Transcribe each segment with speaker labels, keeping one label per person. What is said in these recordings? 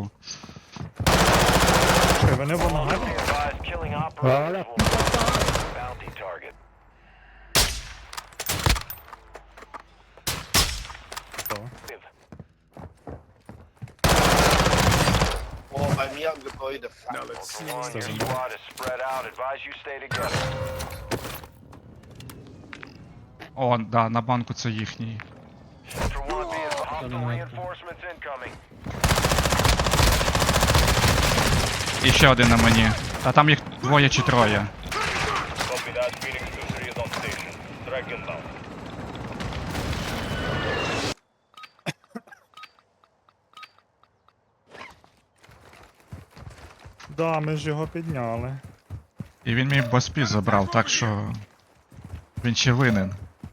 Speaker 1: вийшов.
Speaker 2: Чекай, вони в ангарі? Хто?
Speaker 3: Oh, bei mir am Gebäude. Fuck.
Speaker 1: О, да, на банку це їхній. І ще один на мені. Та там їх двоє чи троє.
Speaker 2: Да, ми ж його підняли.
Speaker 1: І він мій боспі забрав, так що він ще винен.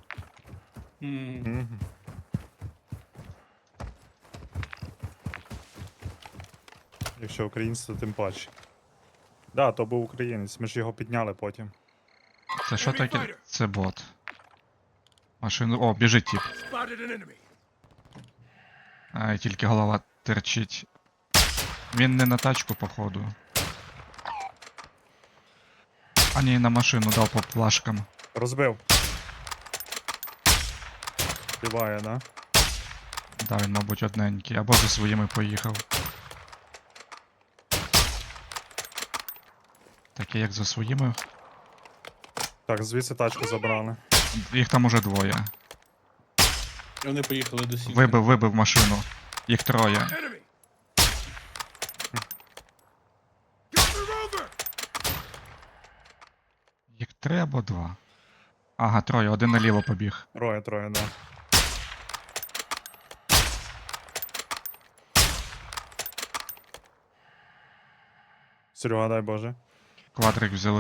Speaker 2: Мгм. Якщо українець, то тим паче. Да, то був українець, ми ж його підняли потім.
Speaker 1: Це що таке? Це бот. Машину. О, біжить тип. Ай, тільки голова терчить. Він не на тачку, походу. А ні, на машину дав по плашкам.
Speaker 2: Розбив. Співає, да?
Speaker 1: Да, він, мабуть, одненький. Або за своїми поїхав. Таке як за своїми.
Speaker 2: Так, звідси тачку забрали.
Speaker 1: Їх там уже двоє.
Speaker 4: Вони поїхали до сім'ї.
Speaker 1: Вибив машину. Їх троє. Їх 3 або 2. Ага, троє, один наліво побіг.
Speaker 2: Троє, да. Серега, дай Боже.
Speaker 1: Квадрик взяли.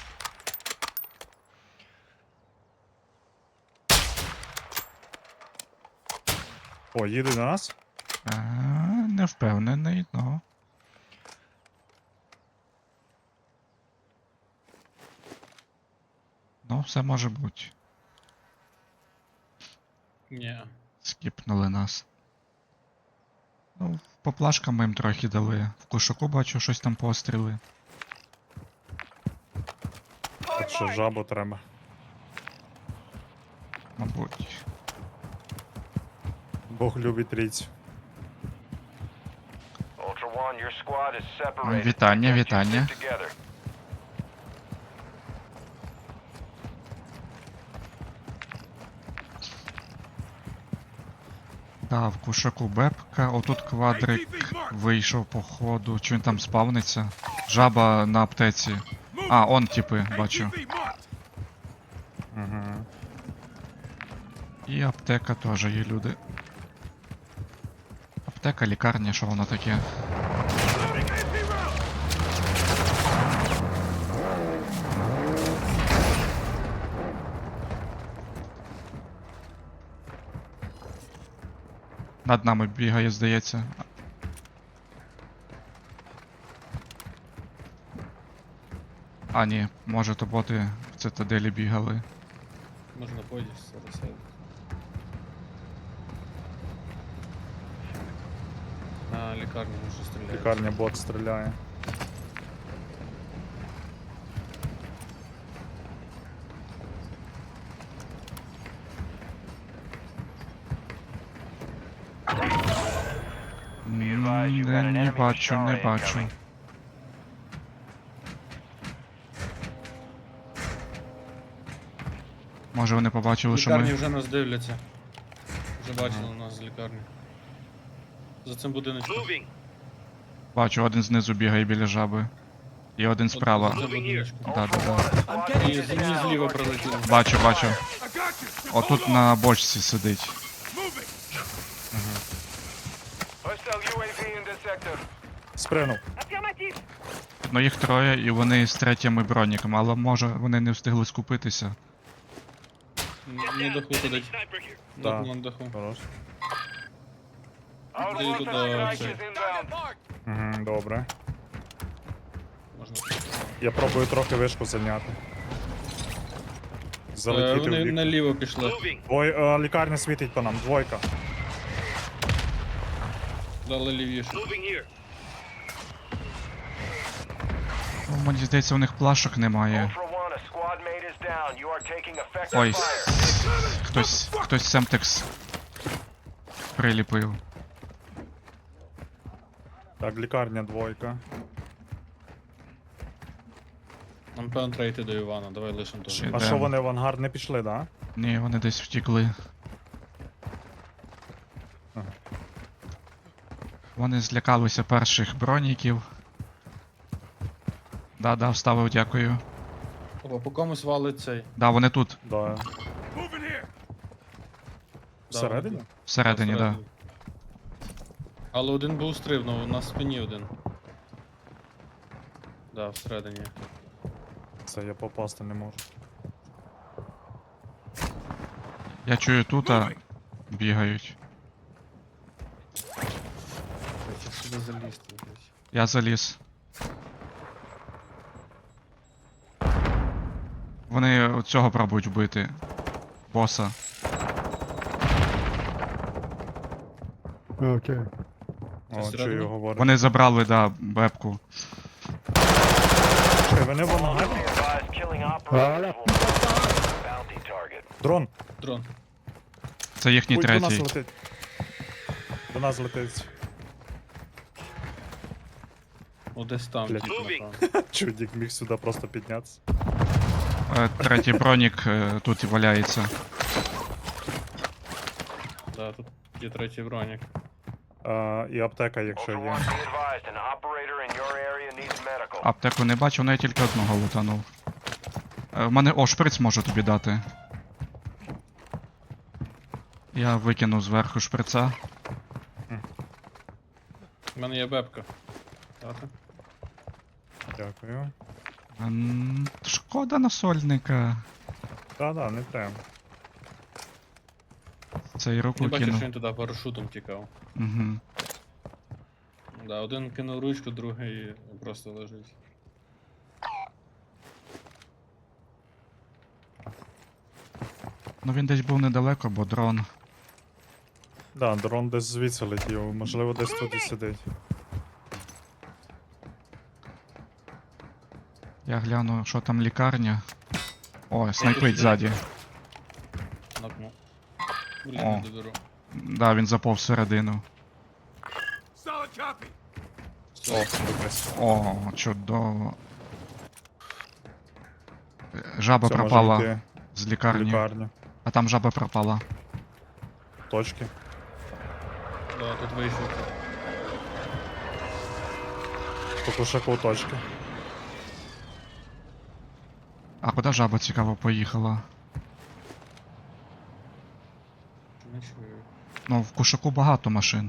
Speaker 2: О, їде до нас?
Speaker 1: Не впевнений, но. Ну, все може бути.
Speaker 4: Ні.
Speaker 1: Скіпнули нас. Ну, по плашкам ми їм трохи дали. В кушаку бачу, щось там постріли.
Speaker 2: Так що жабу треба.
Speaker 1: Мабуть.
Speaker 2: Бог любить трійцю.
Speaker 1: Вітання, вітання. Да, в кушаку бепка, отут квадрик вийшов по ходу. Чи він там спавниться? Жаба на аптеці. А, он типи, бачу.
Speaker 2: Угу.
Speaker 1: І аптека теж є люди. Аптека, лікарня, що воно таке? Над нами бігає, здається. А, ні, може то боти в цитаделі бігали.
Speaker 4: Можна поїсти зараз. На лікарню може стріляти.
Speaker 2: Лікарня бот стріляє.
Speaker 1: Не бачу, не бачу. Може вони побачили, що
Speaker 4: Лікарні
Speaker 1: ми...
Speaker 4: вже нас дивляться. Вже бачили нас з лікарні. За цим будиночком.
Speaker 1: Бачу, один знизу бігає біля жаби. І один справа.
Speaker 4: За цим будиночком.
Speaker 1: Да.
Speaker 4: І мені зліва прилетіло.
Speaker 1: Бачу. Отут на бочці сидить.
Speaker 2: Спринув.
Speaker 1: Ну їх троє і вони з третіми броніками, але може вони не встигли скупитися.
Speaker 4: На даху сидить.
Speaker 2: Да.
Speaker 4: На даху.
Speaker 2: Хорош.
Speaker 4: Іди туди. Цей.
Speaker 2: Угу, добре.
Speaker 4: Можна.
Speaker 2: Я пробую трохи вишку зайняти. Залетіти в
Speaker 4: Вони
Speaker 2: вік.
Speaker 4: наліво пішли.
Speaker 2: Ой, лікарня світить по нам, двойка.
Speaker 4: Дали лівіше.
Speaker 1: Мені здається, у них плашок немає.
Speaker 5: Ultra One, a squad mate is down. You are taking effective
Speaker 1: Ой,
Speaker 5: fire.
Speaker 1: хтось Семтекс приліпив.
Speaker 2: Так, лікарня двойка.
Speaker 4: Нам певно треба йти до Івана, давай лишимо того.
Speaker 1: Ще.
Speaker 2: А
Speaker 1: Ідем.
Speaker 2: що вони в ангар не пішли, да?
Speaker 1: Ні, вони десь втікли.
Speaker 2: Ага.
Speaker 1: Вони злякалися перших броніків. Да, вставив, дякую.
Speaker 4: Опа, по комусь валить цей.
Speaker 1: Да, вони тут,
Speaker 2: Да. Всередині?
Speaker 1: всередині, да.
Speaker 4: Всередині. Але один був стрибнув, на спині один. Да, всередині.
Speaker 2: Це я попасти не можу.
Speaker 1: Я чую тут, бігають.
Speaker 4: Я сюди залізти, блядь.
Speaker 1: Я заліз. Вони цього пробують вбити. Боса.
Speaker 6: Окей.
Speaker 2: О,
Speaker 4: всередині?
Speaker 2: чую, говорить.
Speaker 1: Вони забрали, да, бебку.
Speaker 2: Чекай, вони в ангарі?
Speaker 5: Be advised, killing operators will bounty target.
Speaker 2: Дрон!
Speaker 4: Дрон.
Speaker 1: Це їхній
Speaker 2: Ой, до нас
Speaker 1: третій.
Speaker 2: летить. До нас летить.
Speaker 4: О, десь там,
Speaker 2: Блядь.
Speaker 4: тип, напевно.
Speaker 2: Чудік міг сюди просто піднятися.
Speaker 1: Третій бронік тут і валяється.
Speaker 4: Да, тут є третій бронік.
Speaker 2: І аптека, якщо
Speaker 5: Ultra
Speaker 2: є.
Speaker 5: One, be advised, an operator in your area needs medical.
Speaker 1: Аптеку не бачу, але я тільки одного лутанув. В мене. О, шприц можу тобі дати. Я викинув зверху шприца.
Speaker 4: У мене є бебка. Дати?
Speaker 2: Дякую.
Speaker 1: Шкода насольника.
Speaker 2: Да, не треба.
Speaker 1: Цей руку
Speaker 4: Я бачив,
Speaker 1: кинув.
Speaker 4: що він туди парашутом тікав.
Speaker 1: Угу.
Speaker 4: Да, один кинув ручку, другий просто лежить.
Speaker 1: Ну він десь був недалеко, бо дрон.
Speaker 2: Да, дрон десь звідси летів, можливо десь тут і сидить.
Speaker 1: Я гляну, що там лікарня. О, снайпить ззаді.
Speaker 4: Нокнув. Блін,
Speaker 1: О.
Speaker 4: не доберу.
Speaker 1: Да, він заповз всередину.
Speaker 2: О, якась.
Speaker 1: О, чудово. Жаба
Speaker 2: Це може
Speaker 1: пропала
Speaker 2: йти
Speaker 1: з
Speaker 2: в
Speaker 1: лікарні.
Speaker 2: лікарню.
Speaker 1: А там жаба пропала.
Speaker 2: Точки.
Speaker 4: Да, тут вийшов.
Speaker 2: По кушаку точки.
Speaker 1: А куди жаба цікаво поїхала?
Speaker 4: Не чую.
Speaker 1: Ну, в кушаку багато машин.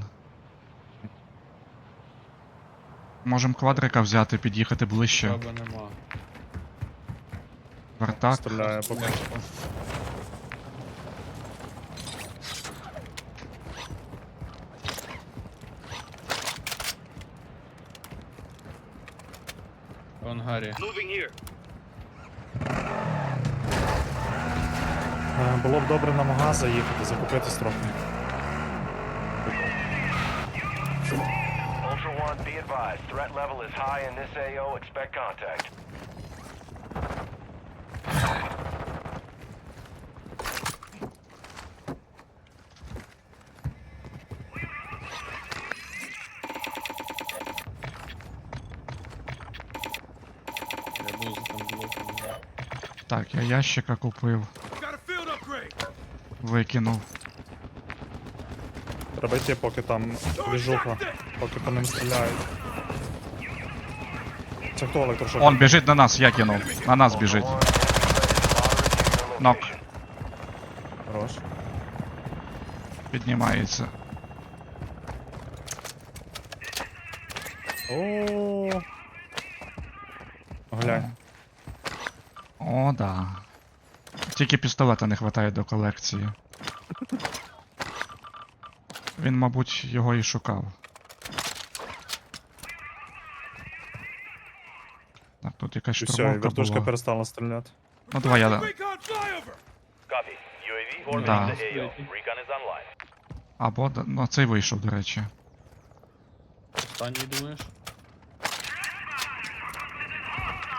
Speaker 1: Можем квадрика взяти, під'їхати ближче.
Speaker 4: Жаба нема.
Speaker 1: Вартак.
Speaker 2: Стріляє по кушаку.
Speaker 4: В ангарі.
Speaker 2: Було б добре на магаз заїхати, закупитись трохи.
Speaker 5: Ultra One, be advised, threat level is high in this AO. Expect contact.
Speaker 4: Я був за там блоком. да.
Speaker 1: Так, я ящика купив. Викинув.
Speaker 2: Треба йти, поки там двіжуха, поки по ним стріляють. Це хто електрошок?
Speaker 1: Он біжить на нас, я кинув. На нас біжить.
Speaker 5: Ultra One, enemies moderate near your
Speaker 1: Нок.
Speaker 5: location.
Speaker 2: Хорош.
Speaker 1: Піднімається.
Speaker 2: О. Глянь.
Speaker 1: О, да. Тільки пістолета не вистачає до колекції. Він, мабуть, його і шукав. Так, тут якась
Speaker 2: І все, і
Speaker 1: штурмовка
Speaker 2: вертушка
Speaker 1: була.
Speaker 2: перестала стріляти.
Speaker 1: Ну давай я...
Speaker 5: Copy. UAV orbiting
Speaker 1: Да.
Speaker 5: the AO. Recon is online.
Speaker 1: Або... Ну, цей вийшов, до речі.
Speaker 4: Останній думаєш?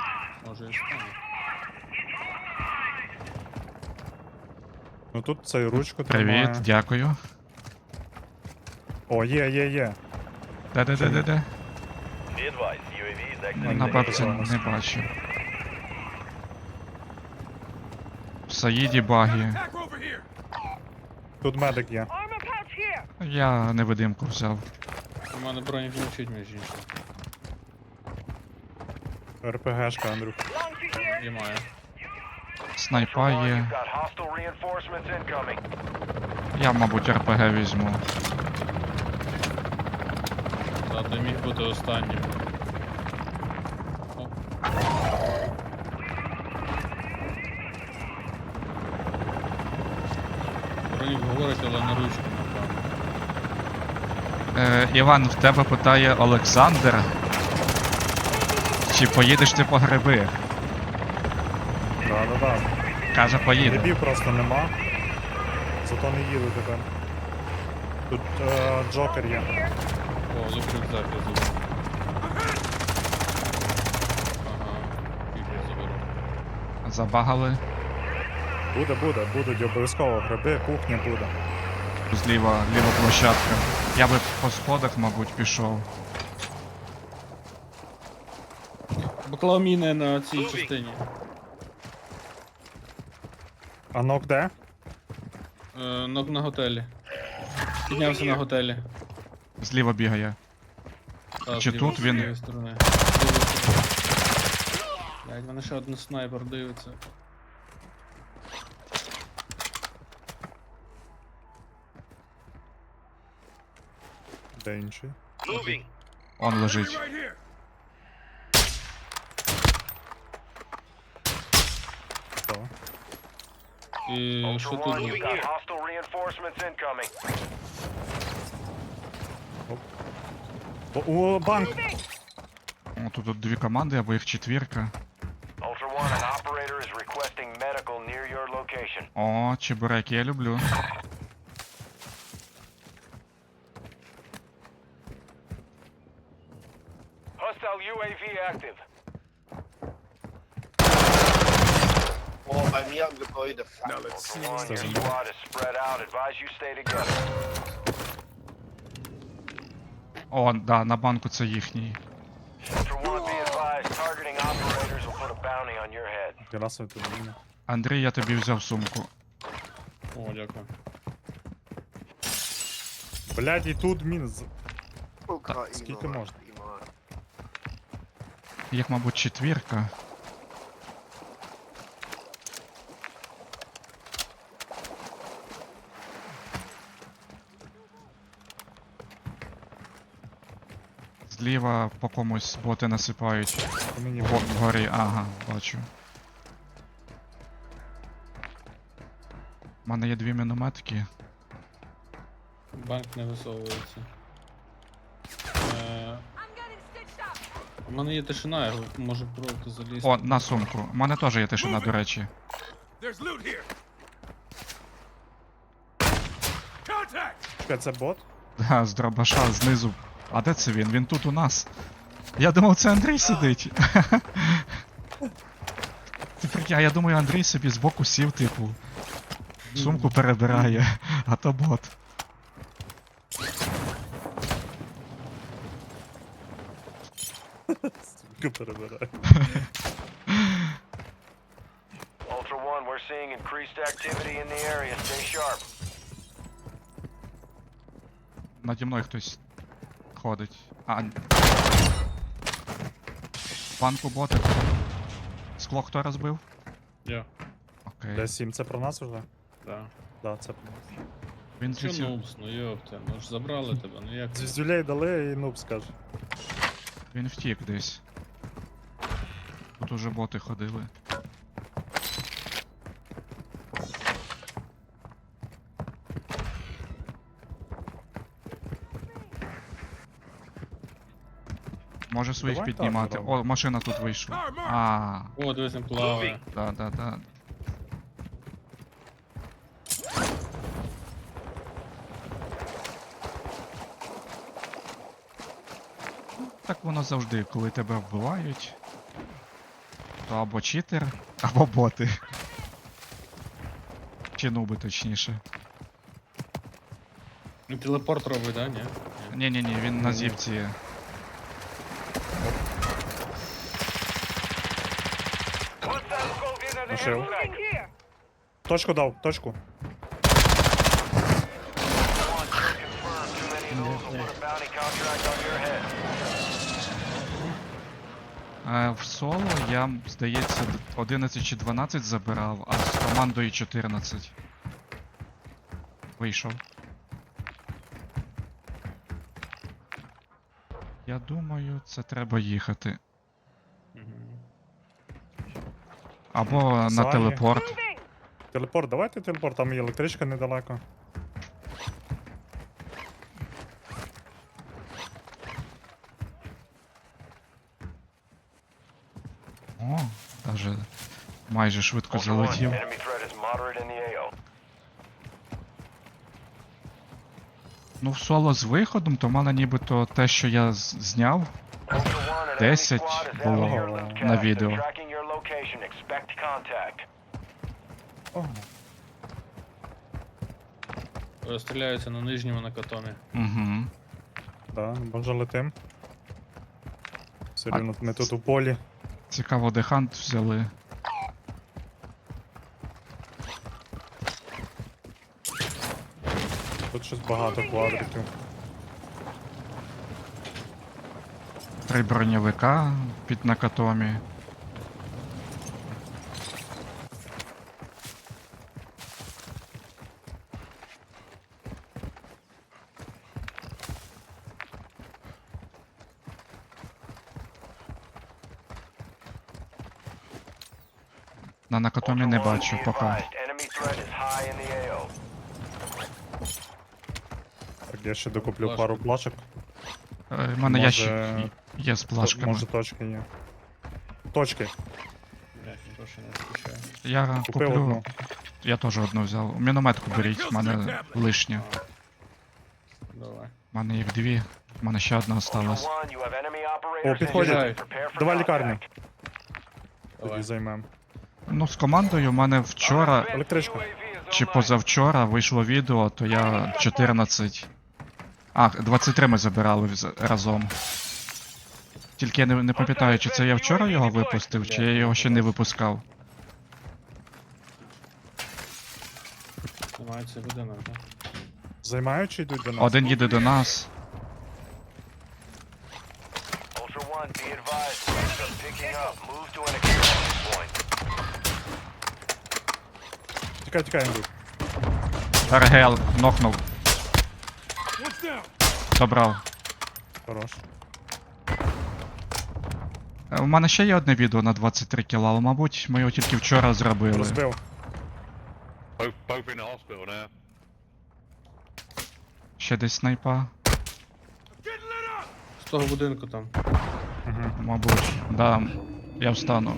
Speaker 4: може і стане.
Speaker 2: Ну тут цей ручку
Speaker 1: Привіт,
Speaker 2: тримає.
Speaker 1: дякую.
Speaker 2: О, є.
Speaker 1: Де?
Speaker 5: Be advised, UAV is
Speaker 2: Ну,
Speaker 5: exiting
Speaker 1: На
Speaker 5: the
Speaker 1: бабці
Speaker 5: AO.
Speaker 1: не бачу. В Саїді багі.
Speaker 2: Тут медик є.
Speaker 1: Я невидимку взяв.
Speaker 4: У мене бронік мовчить, між іншим.
Speaker 2: РПГшка, Андрюх.
Speaker 4: Я маю.
Speaker 1: Снайпа
Speaker 5: Ultra One,
Speaker 1: є.
Speaker 5: you've got hostile reinforcements incoming.
Speaker 1: Я, мабуть, РПГ візьму.
Speaker 4: Та ти міг бути останнім. О. Бронік говорить, але на ручку, напевно.
Speaker 1: Іван, в тебе питає Олександр. Чи поїдеш ти по гриби?
Speaker 2: Да.
Speaker 1: Каже, поїде.
Speaker 2: Грибів просто нема. Зато не їду тепер. Тут Джокер є.
Speaker 4: О, лук рюкзак я заберу. Ага, фігня заберу.
Speaker 1: Забагали.
Speaker 2: Будуть обов'язково гриби, кухня буде.
Speaker 1: Зліва, ліва площадка. Я би по сходах, мабуть, пішов.
Speaker 4: Поклав міни на цій частині.
Speaker 2: А нок де?
Speaker 4: Нок на готелі. Піднявся на готелі.
Speaker 1: Зліва бігає.
Speaker 4: Та,
Speaker 1: Чи
Speaker 4: зліва,
Speaker 1: тут
Speaker 4: з
Speaker 1: він?
Speaker 4: лівої сторони. З лівої сторони. Блядь, мене ще один снайпер дивиться.
Speaker 2: Де інший?
Speaker 1: Он лежить.
Speaker 2: Хто?
Speaker 4: І що
Speaker 5: Ultra
Speaker 4: тут
Speaker 5: One,
Speaker 4: є?
Speaker 5: you've got hostile reinforcements incoming.
Speaker 2: О, банк!
Speaker 1: О, тут дві команди, або їх четвірка.
Speaker 5: Ultra One, an operator is requesting medical near your location.
Speaker 1: О, чебуреки я люблю.
Speaker 5: Hostile UAV active.
Speaker 3: Oh, I'm young boy, the fuck.
Speaker 5: Ultra One, your squad is spread out. Advise you stay together.
Speaker 1: О, да, на банку це їхній.
Speaker 5: Ultra One, be advised, targeting operators will put a bounty on your head.
Speaker 2: Герасові тут міни.
Speaker 1: Андрій, я тобі взяв сумку.
Speaker 4: О, дякую.
Speaker 2: Блядь, і тут міни.
Speaker 3: Скільки
Speaker 2: можна?
Speaker 1: Їх, мабуть, четвірка. Зліва по комусь боти насипають.
Speaker 2: По мені
Speaker 1: Вгорі, ага, бачу. У мене є дві мінометки.
Speaker 4: Банк не висовується. У мене є тишина, я можу пробувати залізти.
Speaker 1: О, на сумку. У мене теж є тишина, до речі.
Speaker 2: Чекай, це бот?
Speaker 1: Да, з дробаша знизу. А де це він? Він тут у нас. Я думав, це Андрій сидить. Ти прикинь, а я думаю, Андрій собі збоку сів, типу. Сумку перебирає, а то бот.
Speaker 2: Сука, перебираю.
Speaker 5: Ultra One, we're seeing increased activity in the area. Stay sharp.
Speaker 1: Наді мною хтось ходить. А. Банку ботик. Скло хто розбив?
Speaker 4: Я,
Speaker 1: Окей.
Speaker 2: Д7, це про нас уже?
Speaker 4: да.
Speaker 2: Да, це про нас.
Speaker 1: Він
Speaker 4: Що
Speaker 1: злетів.
Speaker 4: нубс, ну йопте, ну ж забрали тебе, ну як?
Speaker 2: Звіздюлей дали і нуб скаже.
Speaker 1: Він втік десь. Тут уже боти ходили. Може своїх
Speaker 2: Давай так
Speaker 1: піднімати.
Speaker 2: зробимо.
Speaker 1: О, машина тут вийшла. А,
Speaker 4: О, дивись, він плаває.
Speaker 1: да. Так воно завжди, коли тебе вбивають. то або читер, або боти. Чи нуби, точніше.
Speaker 4: Ну, телепорт робить, да? Ні?
Speaker 1: Ні-ні-ні, він на зівці.
Speaker 2: Нашив. Точку дав, точку.
Speaker 1: В соло я, здається, 11 чи 12 забирав, а з командою 14. Вийшов. Я думаю, це треба їхати. Або на
Speaker 2: Сані.
Speaker 1: телепорт.
Speaker 2: Телепорт, давайте телепорт, там і електричка недалеко.
Speaker 1: О, даже майже швидко
Speaker 5: Ultra One,
Speaker 1: залетів.
Speaker 5: enemy threat is moderate in the AO.
Speaker 1: Ну, в соло з виходом, то в мене нібито те, що я зняв,
Speaker 5: Ultra One, an enemy
Speaker 1: 10
Speaker 5: squad is
Speaker 1: було
Speaker 5: after your loot
Speaker 1: на
Speaker 5: cache.
Speaker 1: відео.
Speaker 5: They're tracking your location. Expect contact.
Speaker 2: Ого.
Speaker 4: Стріляються на нижньому на катомі.
Speaker 1: Угу.
Speaker 2: Да, може летим. Все рівно ми тут у полі.
Speaker 1: Цікаво, де хант взяли.
Speaker 2: Тут щось багато квадриків.
Speaker 1: 3 броньовика під накатомі. На накатомі не
Speaker 5: Ultra One,
Speaker 1: бачу
Speaker 5: be
Speaker 1: поки.
Speaker 5: advised, enemy threat is high in the AO.
Speaker 2: Так, я ще докуплю
Speaker 4: Плашка.
Speaker 2: пару плашок.
Speaker 1: У мене ящик є з плашками.
Speaker 2: Може точки є. Точки.
Speaker 4: Блять, ніхто ще не відключає.
Speaker 1: Я
Speaker 2: Купив
Speaker 1: куплю.
Speaker 2: одну.
Speaker 1: Я теж одну взяв. Мінометку беріть, в мене лишня.
Speaker 4: Давай.
Speaker 1: У мене їх 2. У мене ще одна
Speaker 5: Ultra
Speaker 1: осталась.
Speaker 5: One, you have enemy operators in
Speaker 2: підходять.
Speaker 5: your- Prepare for
Speaker 2: Давай
Speaker 5: contact.
Speaker 2: лікарню. Тоді
Speaker 4: Давай.
Speaker 2: займем.
Speaker 1: Ну, з командою в мене вчора
Speaker 2: Електричку.
Speaker 1: чи позавчора вийшло відео, то я 14. 23 ми забирали разом. Тільки я не пам'ятаю, чи це я вчора його випустив, чи я його ще не випускав.
Speaker 4: Займається будинок, так?
Speaker 2: Займають чи йдуть до нас?
Speaker 1: Один їде до нас.
Speaker 5: Ultra One, be advised. Things are picking up. Move to an extraction point.
Speaker 2: Тікай, тікай, Андрій.
Speaker 1: РГЛ нокнув. Добрав.
Speaker 2: Хорош.
Speaker 1: У мене ще є одне відео на 23 кіла, але, мабуть, ми його тільки вчора зробили.
Speaker 2: Розбив.
Speaker 6: Both in the hospital now.
Speaker 1: Ще десь снайпа.
Speaker 4: З того будинку там.
Speaker 1: Мабуть. Да, я встану.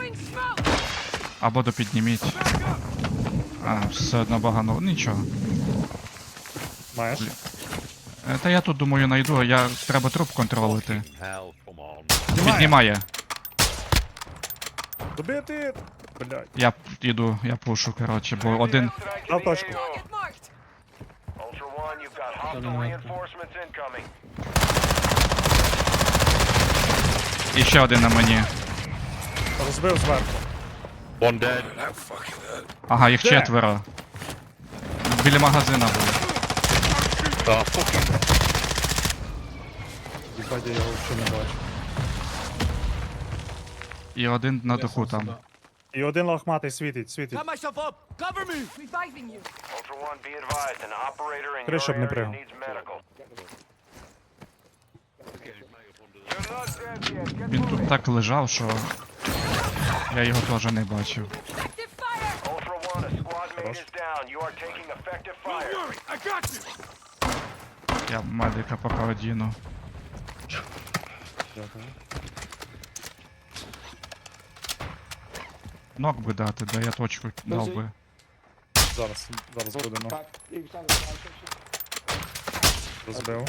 Speaker 1: Або допідніміть. Все одно багано. Нічого.
Speaker 2: Маєш?
Speaker 1: Та я тут думаю найду, треба труп контролити.
Speaker 6: Hell, come on.
Speaker 1: Піднімає.
Speaker 2: Добити! Блядь.
Speaker 1: Я іду, я пушу, коротше, бо один.
Speaker 2: Дав точку.
Speaker 5: Ultra One, you've got hostile
Speaker 4: Dominant.
Speaker 5: reinforcements incoming.
Speaker 1: І ще один на мені.
Speaker 2: Розбив зверху.
Speaker 6: One dead.
Speaker 1: Ага, їх
Speaker 2: Де?
Speaker 1: 4. Біля магазина був.
Speaker 6: Fucking
Speaker 2: Їбать, я його взагалі не бачу.
Speaker 1: І один на
Speaker 4: Я
Speaker 1: даху
Speaker 4: сам
Speaker 1: там.
Speaker 4: сюди.
Speaker 2: І один лохматий світить, світить.
Speaker 7: myself up! Cover me! Reviving you!
Speaker 5: Ultra One, be advised. An operator in
Speaker 2: Криш, щоб
Speaker 5: your
Speaker 2: не
Speaker 5: area
Speaker 2: пригав.
Speaker 5: needs medical. You're not dead yet. Get
Speaker 1: Він
Speaker 5: moving.
Speaker 1: тут так лежав, що я його теж не бачив.
Speaker 7: Active fire!
Speaker 5: Ultra One, a squad mate is down. You are taking effective fire.
Speaker 1: Я медика поки одіну.
Speaker 2: Дякую.
Speaker 1: Нок би дати, да я точку дав би.
Speaker 2: Зараз буде, ну. Розбив.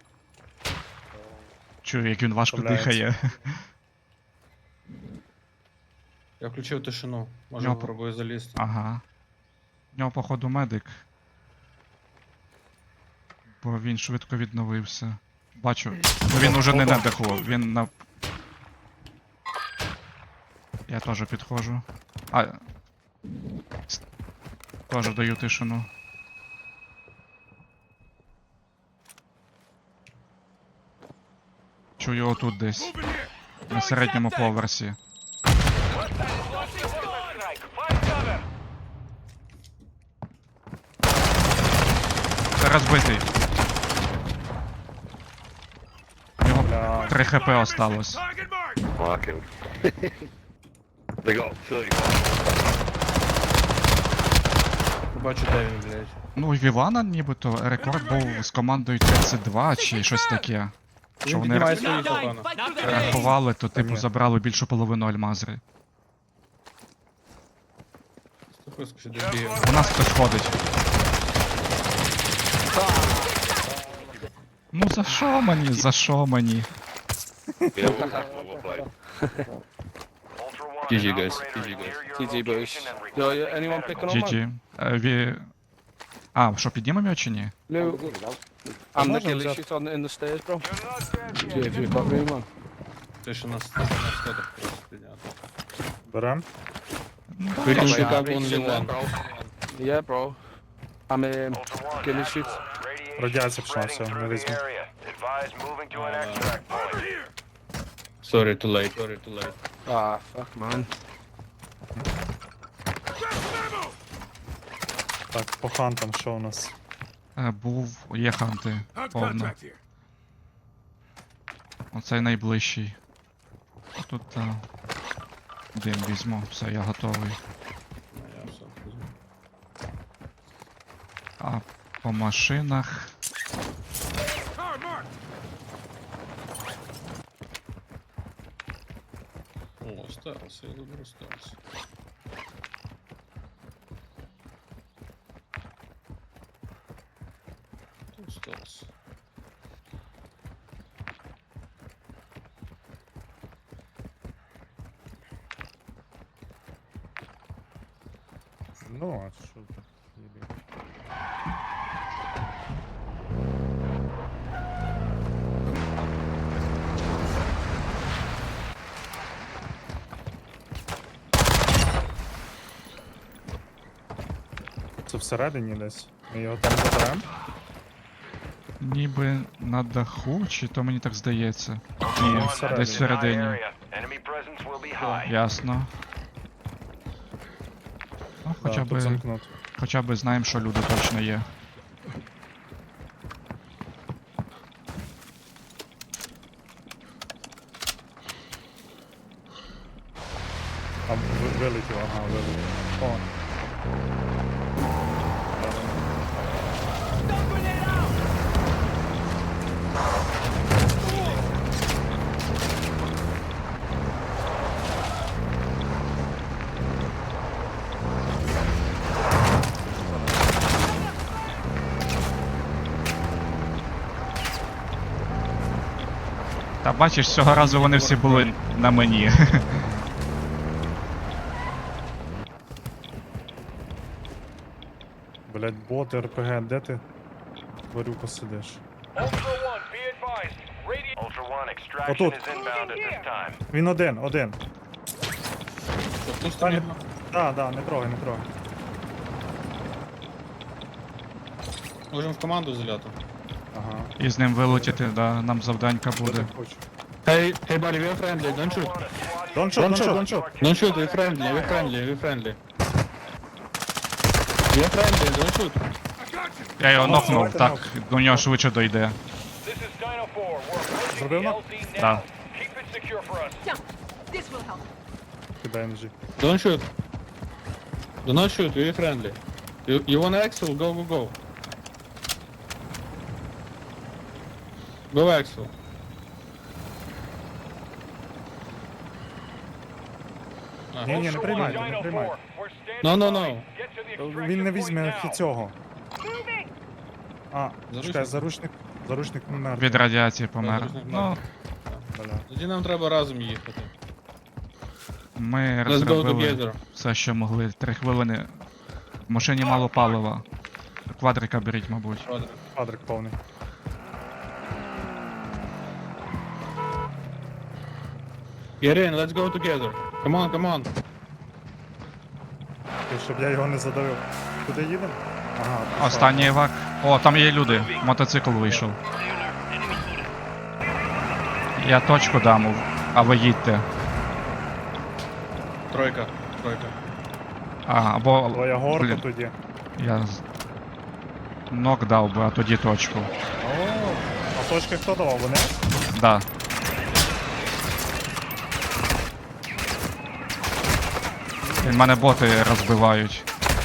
Speaker 1: Чую, як він важко
Speaker 2: Вставляється.
Speaker 1: дихає.
Speaker 4: Я включив тишину. Може
Speaker 1: Нього-
Speaker 4: попробую залізти.
Speaker 1: Ага. В нього, походу, медик. Бо він швидко відновився. Бачу. Ну він уже не на даху, він на. Я теж підходжу. Теж даю тишину. Чую отут десь. На середньому поверсі. Це розбитий. У нього
Speaker 2: Бля,
Speaker 1: 3 хп осталось.
Speaker 6: Fucking. They got 30.
Speaker 4: Побачу, де він, блядь.
Speaker 1: Ну, у Вівана нібито рекорд був з командою 32 чи щось таке. Що
Speaker 4: Він
Speaker 1: вони
Speaker 4: піднімає своїх, напевно.
Speaker 1: рахували, то типу
Speaker 2: Ні.
Speaker 1: забрали більшу половину альмазри.
Speaker 4: Стописку ще десь бігає.
Speaker 1: У нас хтось ходить. Ну за що мені? За що мені?
Speaker 6: Yeah, we'll play.
Speaker 5: GG
Speaker 8: guys. GG boys. Yo, anyone picking on that?
Speaker 1: GG. А, що, піднімемо його чи ні?
Speaker 8: Lou, I'm the
Speaker 2: Можем
Speaker 8: ghillie
Speaker 2: взяти.
Speaker 8: shit on in the stairs, bro. Yeah, if you've got room, man.
Speaker 4: Тишина на сходах просто підняти.
Speaker 2: берем.
Speaker 4: Вирішуй
Speaker 8: Like,
Speaker 4: там
Speaker 8: reach
Speaker 4: only
Speaker 8: in one,
Speaker 4: one.
Speaker 8: bro. Yeah, bro. I'm ghillie shit.
Speaker 2: Радіація пішла, все, не візьму.
Speaker 4: Sorry, too late. Sorry, too late.
Speaker 8: Ah, fuck, man.
Speaker 2: Так, по хантам що у нас?
Speaker 1: Є ханти. Повно. Оцей найближчий. Тут дим візьму, все, я готовий.
Speaker 4: Я все візьму.
Speaker 1: А по машинах.
Speaker 4: О, осталось, я думаю, осталось. Тут осталось.
Speaker 2: Ну, а що тут? Їбі. Це всередині десь. Ми його там заберемо.
Speaker 1: Ніби на даху, чи то мені так здається.
Speaker 2: Ні,
Speaker 1: Ні,
Speaker 2: всередині.
Speaker 1: десь всередині. Ясно. Ну,
Speaker 2: Да, тут замкнути.
Speaker 1: хоча б знаємо, що люди точно є.
Speaker 2: А вилетів, ага, вилетів. О.
Speaker 1: Та бачиш, цього разу вони всі були на мені.
Speaker 2: Блять, бот, РПГ, де ти? Тварюка сидиш. Отут. Він один.
Speaker 4: Що, в ту
Speaker 2: Та,
Speaker 4: сторону?
Speaker 2: да, не трогай.
Speaker 4: Можемо в команду заляти.
Speaker 2: Ага.
Speaker 1: І з ним вилетіти, да, нам завданька буде.
Speaker 2: Хочу.
Speaker 8: Hey, buddy, we're friendly. Don't shoot.
Speaker 2: Don't shoot.
Speaker 8: Don't shoot. We're friendly. We're friendly. We're friendly. Don't shoot.
Speaker 1: Я його нокнув,
Speaker 2: давайте
Speaker 1: так, до нього швидше дойде.
Speaker 2: Зробив нок?
Speaker 1: Да.
Speaker 7: Yeah, this will help.
Speaker 2: Кидай ножі.
Speaker 8: Don't shoot. Do not shoot. We're friendly. You want Axel? Go. Go Axel.
Speaker 2: Ні, не приймайте.
Speaker 8: No.
Speaker 2: Він не візьме цього. А, чекай,
Speaker 4: Заручник?
Speaker 2: заручник не мертвий.
Speaker 1: Від радіації помер.
Speaker 4: Заручник
Speaker 1: Ну,
Speaker 2: Бля.
Speaker 4: Тоді нам треба разом їхати.
Speaker 1: Ми
Speaker 8: Let's go
Speaker 1: розробили
Speaker 8: together.
Speaker 1: все, що могли. 3 хвилини. В машині мало палива. Квадрика беріть, мабуть.
Speaker 4: Квадрик.
Speaker 2: Квадрик повний.
Speaker 8: Get in, let's go together. Come on, come on.
Speaker 2: І щоб я його не задавив. Куди їдемо? Ага, пішла.
Speaker 1: Останній евак. О, там є люди. Мотоцикл вийшов. Я точку дам, а ви їдьте.
Speaker 4: Тройка.
Speaker 1: А, або.
Speaker 2: Твоя горка
Speaker 1: Блін,
Speaker 2: тоді.
Speaker 1: я нок дав би, а тоді точку.
Speaker 2: О, а точки хто давав? Вони?
Speaker 1: Да. Він мене боти розбивають.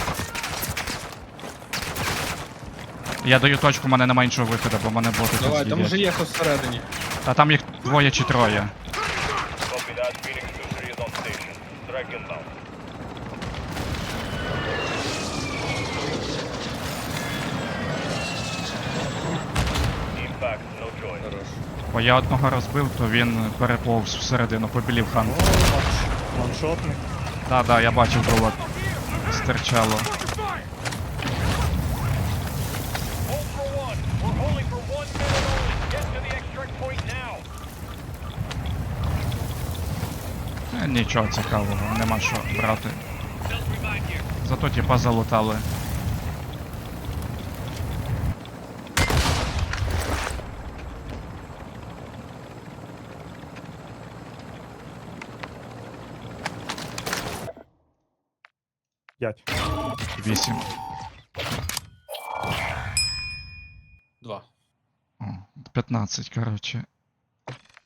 Speaker 1: Я даю точку, в мене немає іншого виходу, бо мене боти тут
Speaker 4: Давай, там уже
Speaker 1: з'їдять.
Speaker 4: є всередині.
Speaker 1: А там їх 2 чи 3.
Speaker 5: Copy that. Phoenix 2-3 is on station. Strike inbound. Team back. No choice.
Speaker 4: Хорош.
Speaker 1: Бо я одного розбив, то він переповз всередину, побілів хан.
Speaker 2: О, ваншотник.
Speaker 1: Да, я бачив, було стирчало.
Speaker 5: Ultra One, we're holding for 1 minute only. Get to the extract point now.
Speaker 1: Нічого цікавого, нема що брати. Зато тіпа залутали.
Speaker 2: П'ять.
Speaker 1: 8.
Speaker 4: 2.
Speaker 1: О, 15, коротше.